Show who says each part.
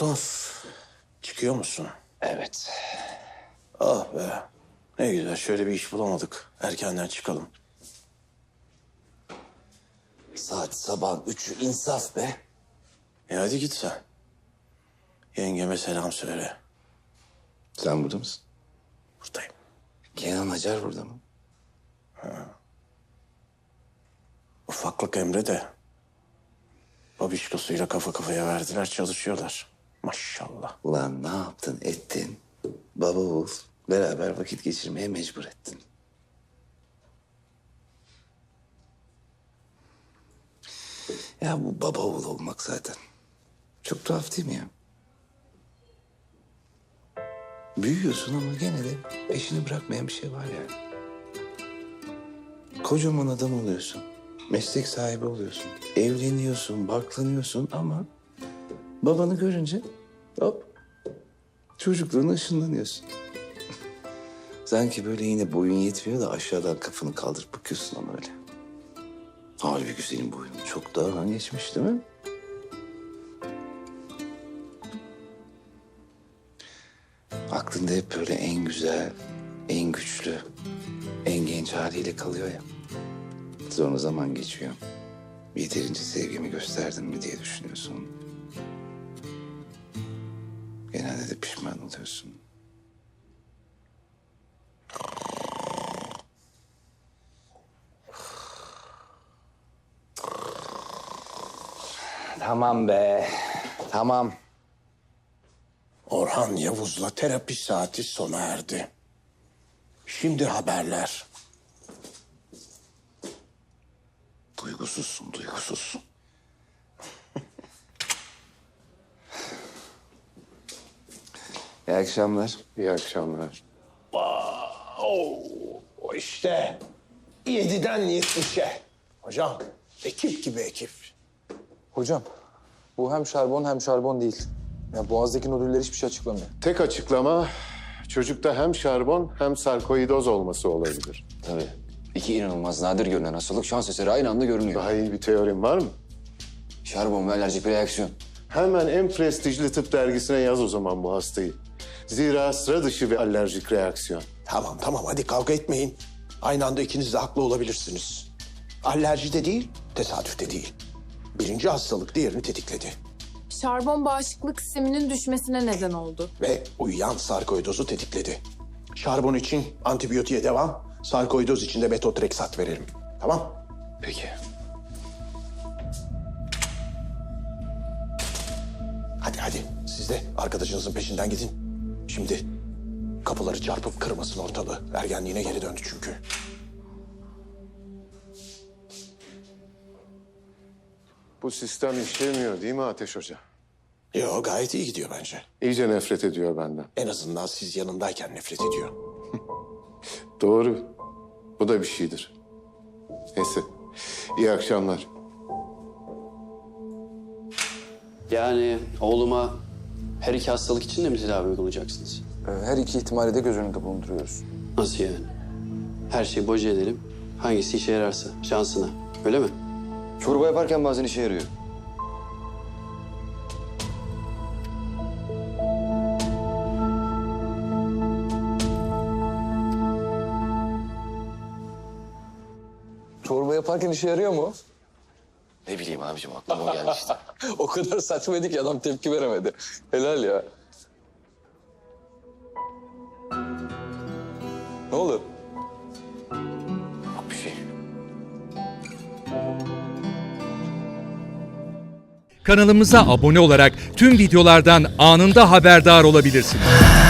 Speaker 1: Dost, çıkıyor musun?
Speaker 2: Evet.
Speaker 1: Ah be. Ne güzel, şöyle bir iş bulamadık. Erkenden çıkalım.
Speaker 2: Saat sabah 3'ü, insaf be.
Speaker 1: Hadi git sen. Yengeme selam söyle.
Speaker 2: Sen burada mısın?
Speaker 1: Buradayım.
Speaker 2: Kenan Acar burada mı?
Speaker 1: Ufaklık Emre de babişkosuyla kafa kafaya verdiler, çalışıyorlar. Maşallah.
Speaker 2: Ulan ne yaptın ettin? Baba oğul beraber vakit geçirmeye mecbur ettin. Ya bu baba oğul olmak zaten. Çok tuhaf değil mi ya? Büyüyorsun ama gene de peşini bırakmayan bir şey var yani. Kocaman adam oluyorsun. Meslek sahibi oluyorsun. Evleniyorsun, barklanıyorsun ama babanı görünce hop çocukluğuna ışınlanıyorsun. Sanki böyle yine boyun yetmiyor da aşağıdan kafanı kaldırıp bakıyorsun ama öyle. Halbuki senin boyun çok daha geçmiş değil mi? Aklında hep böyle en güzel, en güçlü, en genç haliyle kalıyor ya. Sonra zaman geçiyor. Yeterince sevgimi gösterdim mi diye düşünüyorsun. Genelde de pişman oluyorsun. Tamam be, tamam.
Speaker 1: Orhan Yavuz'la terapi saati sona erdi. Şimdi haberler.
Speaker 2: Duygusuzsun, duygusuzsun. İyi akşamlar.
Speaker 3: İyi akşamlar.
Speaker 1: O işte 7'den 70'e. Hocam, ekip gibi ekip.
Speaker 4: Hocam, bu hem şarbon hem şarbon değil. Ya boğazdaki nodüller hiçbir şey açıklamıyor.
Speaker 3: Tek açıklama çocukta hem şarbon hem sarkoidoz olması olabilir.
Speaker 5: Tabii. İki inanılmaz nadir görünen hastalık şans eseri aynı anda görünüyor.
Speaker 3: Daha iyi bir teorim var mı?
Speaker 5: Şarbon ve alerjik bir reaksiyon.
Speaker 3: Hemen en prestijli tıp dergisine yaz o zaman bu hastayı. Zira sıra dışı bir alerjik reaksiyon.
Speaker 1: Tamam hadi kavga etmeyin. Aynı anda ikiniz de haklı olabilirsiniz. Alerji de değil, tesadüf de değil. Birinci hastalık diğerini tetikledi.
Speaker 6: Şarbon bağışıklık sisteminin düşmesine neden oldu.
Speaker 1: Ve uyuyan sarkoidozu tetikledi. Şarbon için antibiyotiğe devam, sarkoidoz için de metotreksat verelim. Tamam?
Speaker 5: Peki.
Speaker 1: Hadi. Siz de arkadaşınızın peşinden gidin. Şimdi kapıları çarpıp kırmasın ortalığı. Ergenliğine geri döndü çünkü.
Speaker 3: Bu sistem işlemiyor değil mi Ateş Hoca?
Speaker 1: Yo, gayet iyi gidiyor bence.
Speaker 3: İyice nefret ediyor benden.
Speaker 1: En azından siz yanındayken nefret ediyor.
Speaker 3: Doğru. Bu da bir şeydir. Neyse. İyi akşamlar.
Speaker 7: Yani oğluma her iki hastalık için de mi tedavi uygulayacaksınız?
Speaker 4: Her iki ihtimali de göz önünde bulunduruyoruz.
Speaker 7: Nasıl yani? Her şeyi boca edelim. Hangisi işe yararsa şansına. Öyle mi?
Speaker 5: Çorba yaparken bazen işe yarıyor.
Speaker 4: Çorba yaparken işe yarıyor mu?
Speaker 5: Ne bileyim abicim aklıma o geldi işte.
Speaker 4: O kadar saçmaydı ki adam tepki veremedi. Helal ya. Ne oldu?
Speaker 5: Yok bir şey.
Speaker 8: Kanalımıza abone olarak tüm videolardan anında haberdar olabilirsiniz.